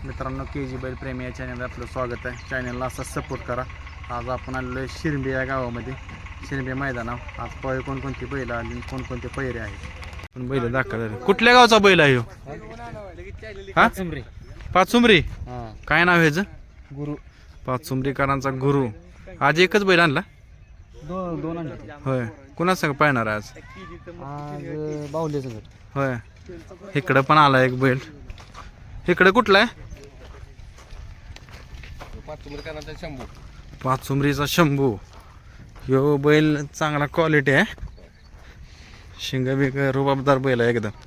मित्रांनो KG बैल प्रेमी या चॅनलला आपलं स्वागत आहे. चॅनलला असा सपोर्ट करा. आज आपण आलेलो आहे शिरंबी या गावामध्ये. शिरंबी मैदानावर आज पळे कोणकोणती बैल आली कोणकोणते पैरे आहेत पण बैल दाखल झाले. कुठल्या गावचा बैल आहे ह्यो? पाचुंबरी. काय नाव आहे ह्याचं? गुरु. पाचुंबरीकरांचा गुरु. आज एकच बैल आणला? दोन आणले. होय. कुणा संग पाहणार आज? आज बाहुले सगळं. होय. इकडं पण आला एक बैल. इकडे कुठला आहे? पाचुंबरीचा शंभू. ह्यो बैल चांगला क्वालिटी आहे. शिंग बिंग रुबाबदार बैल आहे एकदम.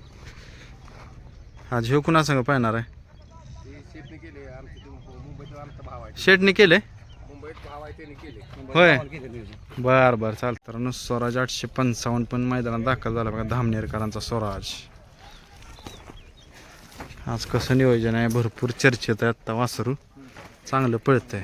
आज ह्यो कुणा संग पाहणार आहे? शेटने केले. होय. बर बर चालतं. तर स्वराज 855 पण मैदानात दाखल झाला बघा. धामनेरकरांचा स्वराज. आज कसं नियोजन आहे? भरपूर चर्चेत आहे. आत्ता वासरू चांगलं पळतंय.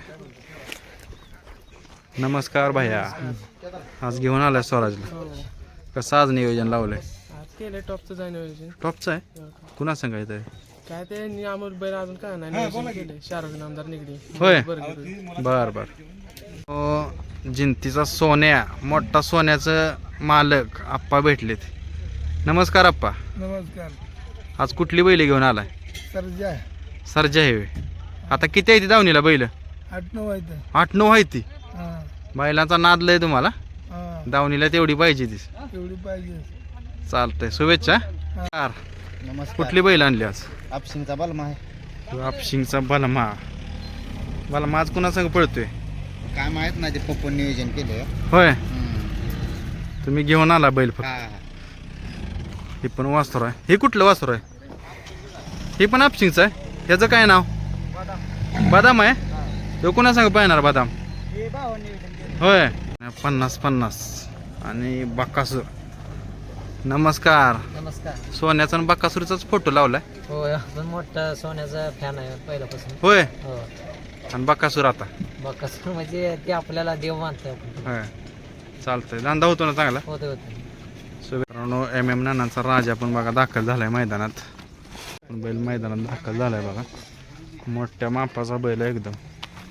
नमस्कार भैया. आज घेऊन आलाय स्वराजला. कसं आज नियोजन लावलंय? केलं टॉपचं जाय नियोजन. टॉपचं आहे. कुणा सांगायचं आहे? काय ते नियामत बैल अजून काय नाही नियोजन केलंय. शाहरुख नामदार निगडी. होय. बर बर. जिंतीचा सोन्या, मोठा सोन्याचं मालक आप्पा भेटलेत. नमस्कार आप्पा. नमस्कार. आज कुठली बैल घेऊन आलाय? सरजा. सरजा आहे. आता किती आहे ती दावणीला बैल? 8-9 आहेत. 8-9 आहे ती. बैलांचा नाद लय तुम्हाला. दावणीला तेवढी पाहिजे ती. एवढी पाहिजे. चालतंय. शुभेच्छा. नमस्कार. कुठली बैल आणली आज? आपशिंगचा बलमा आहे. आपशिंगचा बलमा. बलमा आज कुणा संग पळतोय? काय माहित नाही, ते पप्पन नियोजन केलं. होय. तुम्ही घेऊन आला बैल फक्त. हे पण वासर आहे. हे कुठलं वासर आहे? हे पण आपशिंगचं आहे. ह्याचं काय नाव? बदाम आहे. तो कुणा सांग पाहणार बदाम? होय. 50-50 आणि बक्कासूर. नमस्कार. नमस्कार. सोन्याचा आणि बक्कासूरचाच फोटो लावलाय. हो, आपण मोठा सोन्याचा फॅन आहे पहिल्यापासून. होय. हो. आणि बक्कासूर आता बक्कासूर म्हणजे ते आपल्याला देव मानतोय. होय. चालतंय. धंदा होतो ना चांगला? होते होते. मित्रांनो MM नानांचा राजा पण बघा दाखल झालाय मैदानात. बैल मैदानात दाखल झालाय बघा. मोठ्या मापाचा बैल आहे एकदम.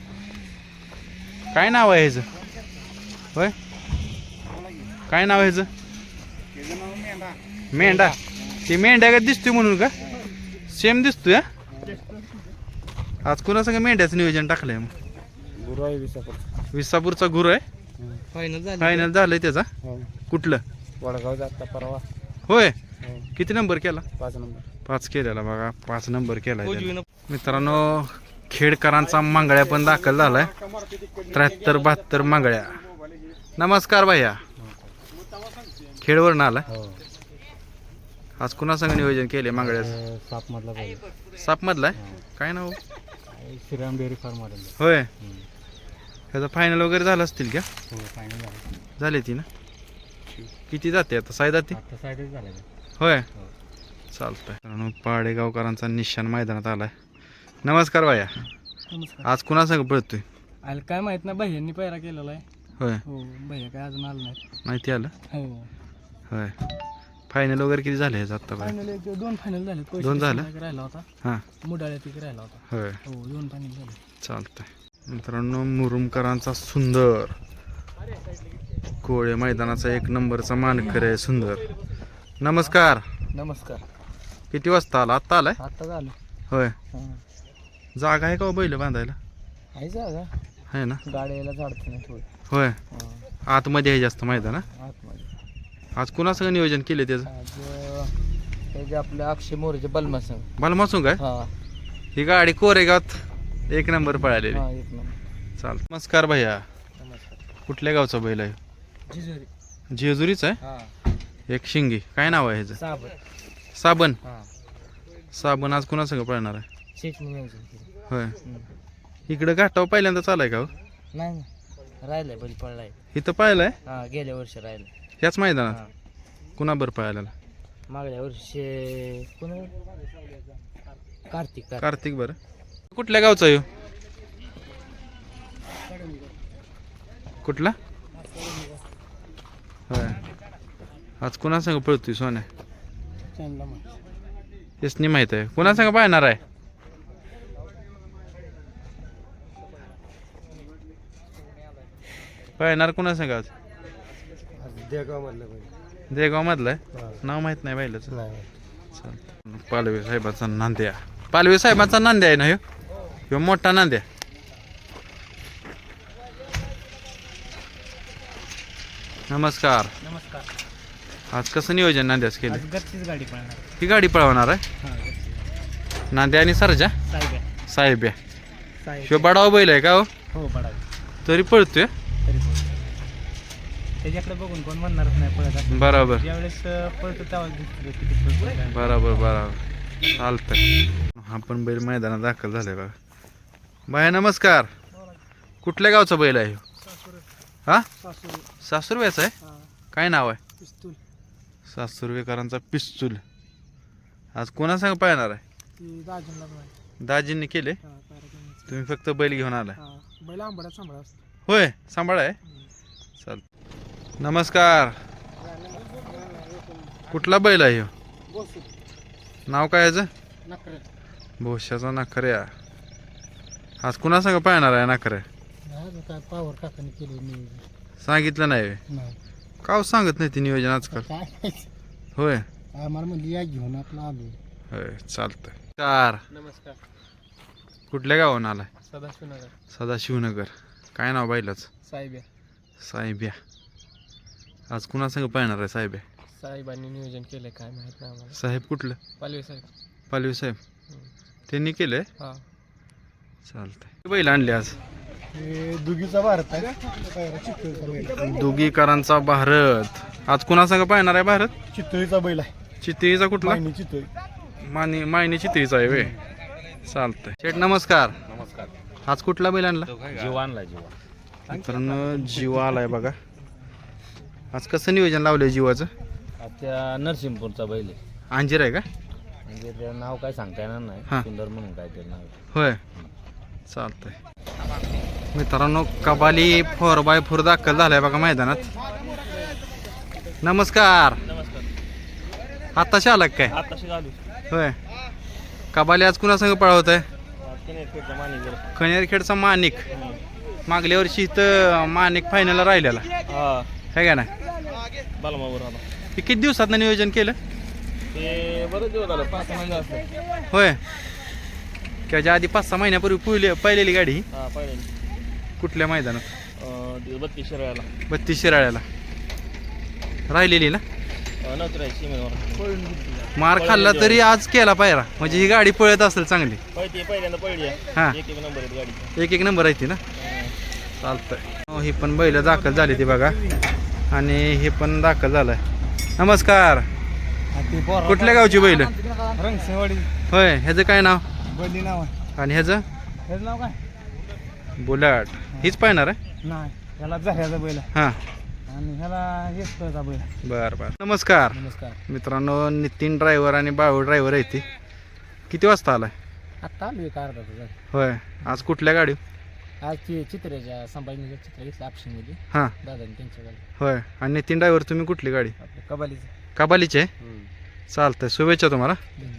काय नाव आहे ह्याचं? होय. काय नाव आहे ह्याचं? मेंढा. ती मेंढ्या का दिसतोय म्हणून का? सेम दिसतोय. आज कुणा संग मेंढ्याचं नियोजन टाकलंय? मग गुरु आहे विसापूरचा गुरु आहे. फायनल झालंय त्याचा. कुठलं? वडगाव जाता परवा. होय. किती नंबर केला? 5 नंबर. 5 केलेला बघा. 5 नंबर केला. मित्रांनो खेडकरांचा मंगळ्या पण दाखल झालाय. 73-72 मंगळ्या. नमस्कार भैया. खेडवरून आला. आज कुणा संग नियोजन केले मंगळ्याचं? साप मधला आहे. काय नाव? Shriram dairy form. होय. ह्याचा फायनल वगैरे झाला असतील का? झाले ती ना? किती जाते आता? 6 जाते. होय. चालतंय. पाडेगावकरांचा निशाण मैदानात आलाय. नमस्कार भैया. आज कुणा संग पळतोय? आलं काय माहित नाही. भैयांनी पहिला केलेला आहे. होय. हो. भैया काय अजून आलं नाही. माहिती आलं. हो. होय. फायनल वगैरे किती झाले आता? फायनल 2 फायनल झाले. 2 झालं. राहिला होता. हां. मुडाळ्यात एक राहिला होता. होय. हो. 2 फायनल झाले. चालतंय. मित्रांनो मुरुमकरांचा सुंदर. कोळे मैदानाचा 1 नंबरचा मानकर आहे सुंदर. नमस्कार. नमस्कार. किती वाजता आला? आत्ता आलाय. आता झालं. होय. जागा आहे का हो बैल बांधायला? आहे जागा. आहे ना? गाड्याला झाडतं नाही थोडं. होय. आतमध्ये आहे जास्त मैदान. आतमध्ये. आज कुणा संग नियोजन केले त्याचं? आज हे जे आपले अक्षय मोरेचे बलमा संघ. बालमासून काय? हा. ही गाडी कोरेगावात 1 नंबर पळालेली. हा, 1 नंबर. चाल. नमस्कार भैया. नमस्कार. कुठल्या गावचा बैल आहे? जिजुरी. जेजुरीचा आहे. हा. एक शिंगी. काय नाव आहे ह्याचं? साबण. साबण. हा. साबण आज कुणा संग पळणार आहे? शेटणी नियोजन केलं. होय. इकडं घाटावर पहिल्यांदा चालाय का हो? नाही नाही. राहिलंय बैल पडलाय. इथं पाहिलंय? हा. गेल्या वर्षी राहिलं. ह्याच मैदानात. कुणाबर पाहायला? मागल्या वर्षी कोण? कार्तिक. कार्तिक. बरं. कुठल्या गावचा आहे? कुठला? होय. आज कुणा संग पळतोय सोन्या? यसनी माहित आहे. कुणा संग पाहणार आहे? पाहणार कुणा सांगा आज देगाव मधलं देगाव मधलं आहे हा. नाव माहित नाही बैलाचं नाही चालतं पालवे साहेबाचा नांद्या पालवे साहेबाचा नांद्या आहे ना ह्यो ह्यो मोठा नांद्या नमस्कार नमस्कार आज कसं नियोजन नांद्याच केलं आज घरचीच गाडी पळणार ही गाडी पळवणार आहे हां घरची नांद्या आणि सरजा साहेब आहे साहेब्या साहेब ह्यो बडाव बैल आहे का हो हो बडावी तरी पळतोय तरी पण त्याच्याकडे बघून कोण म्हणणारच नाही पळत असं. बरोबर ज्यावेळेस पळतो तेव्हाच दिसतो किती पळतो काय. बरोबर बरोबर चालतंय हा पण बैल मैदानात दाखल झालाय बघा बाया नमस्कार कुठल्या गावचा बैल आहे ह्यो? हा सासुरव्याचा आहे काय नाव आहे पिस्तूल सासुरवेकरांचा पिस्तूल आज कोणा सांग पाहणार आहे ती दाजींना पण दाजींनी केले कार्यक्रमाचं तुम्ही फक्त बैल घेऊन आलाय बैल आंबड्यात सांभाळा असतो होय सांभाळ आहे चाल नमस्कार कुठला बैल आहे ह्यो नाव काय याचं भोश्याचा नाखऱ्या आज कुणा सांग पाहणार आहे नाखऱ्या काय पावर काकाने केले मी सांगितलं नाही व्हय? नाही का सांगत नाही ती नियोजन आजकाल काय होय आम्हाला म्हणली या घेऊन आपलं आलो होय चालतंय कार नमस्कार कुठल्या गावाहून आलाय सदाशिवनगर सदाशिवनगर काय नाव बैलाच साहेब आहे साहेब्या आज कुणा संग पाहणार आहे साहेब्या साहेबांनी नियोजन केलंय काय माहित नाही आम्हाला साहेब कुठलं पालवे साहेब पालवी साहेब त्यांनी केलंय हां चालतंय बैल आणले आज दुगीचा भारत आहे चितळीचा बैल दुगीकरांचा भारत आज कुणा संग पाहणार आहे भारत चितळीचा बैल आहे चितळीचा कुठला चितळी मायनी चितळीचा आहे वे चालतंय शेठ नमस्कार नमस्कार आज कुठला बैल आणला जीवा आणला जीवा मित्रांनो जीवा आलाय बघा आज कसं नियोजन लावलंय जीवाचं त्या नरसिंहपूरचा बैल आहे अंजीर आहे का म्हणजे त्याचं नाव काय सांगता येणार हा. नाही सुंदर म्हणून काय ते नाव आहे. होय चालतंय मित्रांनो कबाली 4x4 दाखल झालाय बघा मैदानात नमस्कार आताशी आला का काय आताशी आलो होय कबाली आज कुणा संग पळवत आहे खनेरखेडचा माणिक मागल्या वर्षी इथं माणिक फायनलला राहिलेला हां काय का ना बालमावर आला हे किती दिवसात नियोजन केलं ते बरंच दिवस झालं 5 महिने असतं होय त्याच्या आधी 5-6 महिन्यापूर्वी पाहिलेली गाडी ही. हां पहिले कुठल्या मैदानात 32 शिरायला 32 शिराळ्याला राहिलेली ना नव्हतं राहायची सीमेवर मार खाल्ला तरी आज केला पायरा म्हणजे ही गाडी पळत असेल चांगली पहिल्यांदा पडली हा एक नंबर आहेत गाडी एक नंबर आहे ती ना चालतंय ही पण बैल दाखल झाली ती बघा आणि हे पण दाखल झालाय नमस्कार कुठल्या गावची बैल रंगसेवाडी होय ह्याचं काय नाव बैली नाव आहे आणि ह्याचं त्याचं नाव काय बुलाट हीच पाहणार आहे नाही ह्याला झऱ्याचा बैल आहे हां आणि ह्याला हेच बैल आहे बरं बरं नमस्कार नमस्कार मित्रांनो नितीन ड्रायव्हर आणि बाळू ड्रायव्हर आहे ती किती वाजता आलाय आत्ता आलो एक अर्धा तास होय आज कुठल्या गाडी आज ती चित्र्याच्या संभाजीनगर चित्र घेतलं ऑप्शनमध्ये हां दादाने त्यांच्या गाडी होय आणि नितीन ड्रायव्हर तुम्ही कुठली गाडी आपल्या कबालीचं कबालीचे चालतंय शुभेच्छा तुम्हाला